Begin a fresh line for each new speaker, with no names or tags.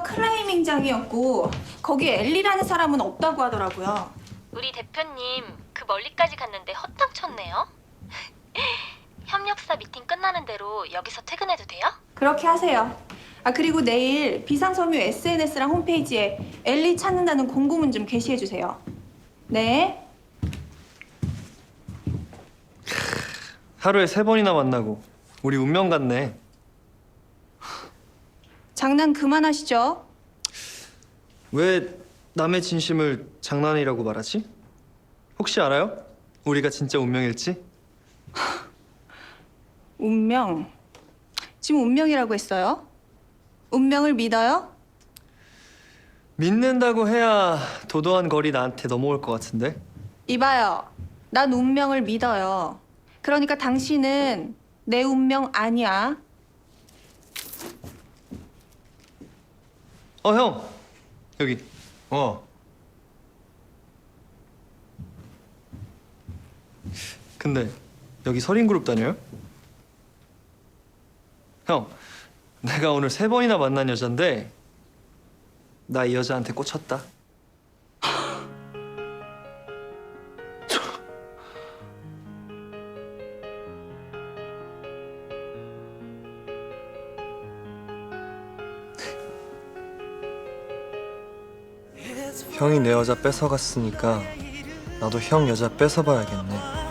여기가 클라이밍장이었고 거기에 엘리라는 사람은 없다고 하더라고요.
우리 대표님 그 멀리까지 갔는데 헛땅 쳤네요. 협력사 미팅 끝나는 대로 여기서 퇴근해도 돼요?
그렇게 하세요. 아 그리고 내일 비상섬유 SNS랑 홈페이지에 엘리 찾는다는 공고문 좀 게시해 주세요. 네.
하루에 3번이나 만나고 우리 운명 같네.
장난 그만하시죠.
왜 남의 진심을 장난이라고 말하지? 혹시 알아요? 우리가 진짜 운명일지?
운명. 지금 운명이라고 했어요? 운명을 믿어요?
믿는다고 해야 도도한 거리 나한테 넘어올 것 같은데?
이봐요. 난 운명을 믿어요. 그러니까 당신은 내 운명 아니야.
형! 여기. 근데 여기 서린그룹 다녀요? 형, 내가 오늘 3번이나 만난 여잔데 나 이 여자한테 꽂혔다.
형이 내 여자 뺏어갔으니까 나도 형 여자 뺏어봐야겠네.